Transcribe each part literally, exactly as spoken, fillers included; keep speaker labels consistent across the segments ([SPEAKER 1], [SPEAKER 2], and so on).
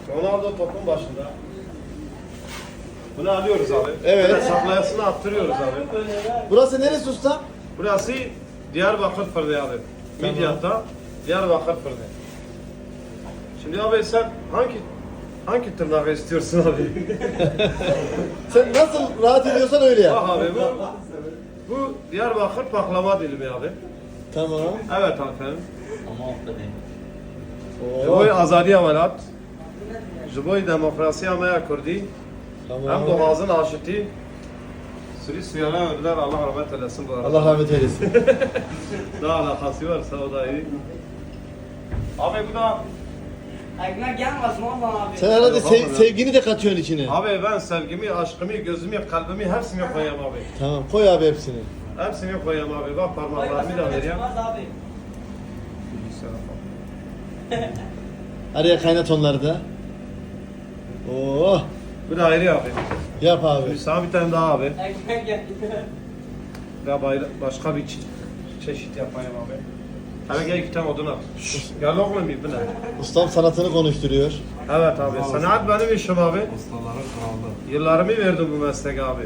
[SPEAKER 1] Ronaldo topun başında. Bunu alıyoruz abi.
[SPEAKER 2] Evet.
[SPEAKER 1] Böyle saklayasını attırıyoruz abi.
[SPEAKER 2] Burası neresi usta?
[SPEAKER 1] Burası Diyarbakır Fırını abi.
[SPEAKER 2] Tamam.
[SPEAKER 1] Midyat'ta Diyarbakır Fırını. Şimdi abi sen hangi hangi tırnağı istiyorsun abi?
[SPEAKER 2] Sen nasıl rahat ediyorsan öyle yap.
[SPEAKER 1] Bak abi bu bu Diyarbakır baklava dilimi abi.
[SPEAKER 2] Tamam.
[SPEAKER 1] Evet efendim.
[SPEAKER 2] Oo.
[SPEAKER 1] Jiboy azadiye velat. Jiboy demokrasiye maya kurdi. Hem
[SPEAKER 2] Tamam.
[SPEAKER 1] doğazın aşıtı. Sürü suyana ördüler Allah rahmet eylesin bu arada.
[SPEAKER 2] Allah rahmet eylesin.
[SPEAKER 1] Daha alakası varsa o da iyi. Abi bu da
[SPEAKER 3] Ekmek gelmez mi abi?
[SPEAKER 2] Sen herhalde
[SPEAKER 1] Yok,
[SPEAKER 2] sev-
[SPEAKER 1] abi.
[SPEAKER 2] sevgini de katıyorsun içine.
[SPEAKER 1] abi ben sevgimi, aşkımı, gözümü, kalbimi hepsini koyayım abi.
[SPEAKER 2] Tamam koy abi hepsini.
[SPEAKER 1] Hepsini koyayım abi. Bak parmaklarımı da vereyim.
[SPEAKER 3] abi.
[SPEAKER 2] Araya kaynat onları da. Oo.
[SPEAKER 1] Bu da ayrı abi.
[SPEAKER 2] Yap abi.
[SPEAKER 1] Bir sana bir tane daha abi.
[SPEAKER 3] Ekmek geldi.
[SPEAKER 1] Ve bayra- başka bir çe- çeşit yapayım abi. Hele gel iki tane odun at. Gel oğlum bir bu ne?
[SPEAKER 2] Ustam sanatını konuşturuyor.
[SPEAKER 1] Evet abi. Sanat benim işim abi.
[SPEAKER 4] Ustaların kralı.
[SPEAKER 1] Yıllarımı verdim bu mesleğe abi.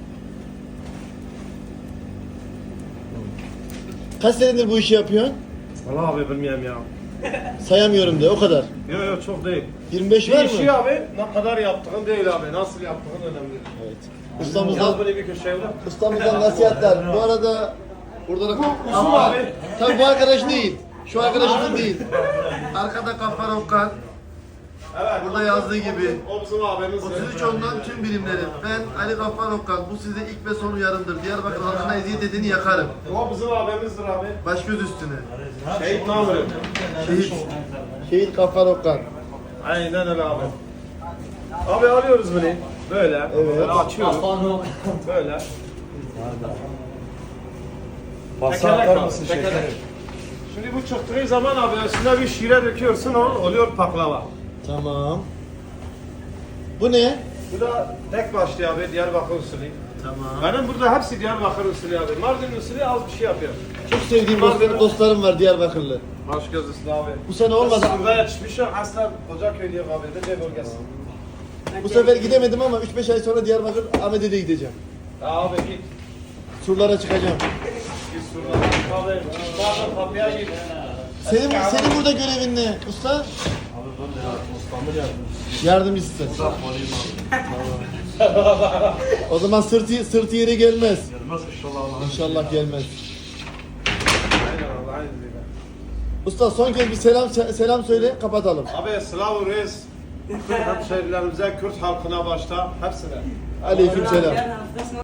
[SPEAKER 2] Kaç senedir bu işi yapıyorsun?
[SPEAKER 1] Vallahi abi bilmiyorum ya.
[SPEAKER 2] Sayamıyorum de o kadar.
[SPEAKER 1] Yok yok çok değil.
[SPEAKER 2] yirmi beş
[SPEAKER 1] Bir
[SPEAKER 2] var
[SPEAKER 1] işi
[SPEAKER 2] mı?
[SPEAKER 1] abi ne kadar yaptığın değil abi. Nasıl yaptığın önemli.
[SPEAKER 2] Evet.
[SPEAKER 1] Yaz
[SPEAKER 2] Ustamızdan,
[SPEAKER 1] bunu bir köşeye bırak.
[SPEAKER 2] ustamızdan nasihatler. Bu arada burada da...
[SPEAKER 1] Kusum abi.
[SPEAKER 2] Tabii bu arkadaş değil. Şu arkadaşımız değil. Arkada Gaffar Okan.
[SPEAKER 1] Evet.
[SPEAKER 2] Burada yazdığı gibi.
[SPEAKER 1] O bizim abimiz.
[SPEAKER 2] otuz üç ondan tüm birimleri. Ben Ali Gaffar Okan. Bu size ilk ve son uyarımdır. Diyarbakır halkına eziyet edeni yakarım.
[SPEAKER 1] O bizim abimizdir abi.
[SPEAKER 2] Baş göz üstüne.
[SPEAKER 1] Şehit Namır'ı.
[SPEAKER 2] Şehit. Şehit Gaffar Okan.
[SPEAKER 1] Aynen öyle abi. Abi alıyoruz bunu. Böyle.
[SPEAKER 2] Evet.
[SPEAKER 1] Böyle açıyoruz. Böyle.
[SPEAKER 4] Pasta
[SPEAKER 1] Tekerlek
[SPEAKER 4] atar
[SPEAKER 1] abi,
[SPEAKER 4] mısın
[SPEAKER 1] tekerlek.
[SPEAKER 4] şekerim?
[SPEAKER 1] Şimdi bu çıktığı zaman abi üstüne bir şire döküyorsun o oluyor baklava.
[SPEAKER 2] Tamam. Bu ne?
[SPEAKER 1] Bu da tek başlı abi Diyarbakır usulü.
[SPEAKER 2] Tamam.
[SPEAKER 1] Benim burada hepsi Diyarbakır usulü abi. Mardin usulü az bir şey yapıyor.
[SPEAKER 2] Çok sevdiğim dost- dostlarım var Diyarbakırlı.
[SPEAKER 1] Baş göz üstü abi.
[SPEAKER 2] Bu sene olmadı.
[SPEAKER 1] Burada yetişmişim aslen Kocaköy diye kabul edilir bölgesi.
[SPEAKER 2] Bu sefer gidemedim ama üç beş ay sonra Diyarbakır Ahmet'e de gideceğim.
[SPEAKER 1] Ya abi git.
[SPEAKER 2] Surlara çıkacağım.
[SPEAKER 1] Git surlara. Abi bazen kapıya git.
[SPEAKER 2] Senin senin burada görevin ne usta?
[SPEAKER 4] Abi ben de ya ustamın yardımcısı.
[SPEAKER 2] Yardımcısın.
[SPEAKER 4] Uzak olayım abi.
[SPEAKER 2] O zaman sırtı sırtı yere gelmez.
[SPEAKER 4] Gelmez inşallah Allah'ın
[SPEAKER 2] İnşallah gelmez.
[SPEAKER 1] Aynen Allah'ın izniyle.
[SPEAKER 2] Usta son kez bir selam selam söyle kapatalım.
[SPEAKER 1] Abi Slav Reis. Kürt hemşehrilerimize, Kürt halkına başta hepsine.
[SPEAKER 2] Aleyküm selam.
[SPEAKER 3] Gel haftasına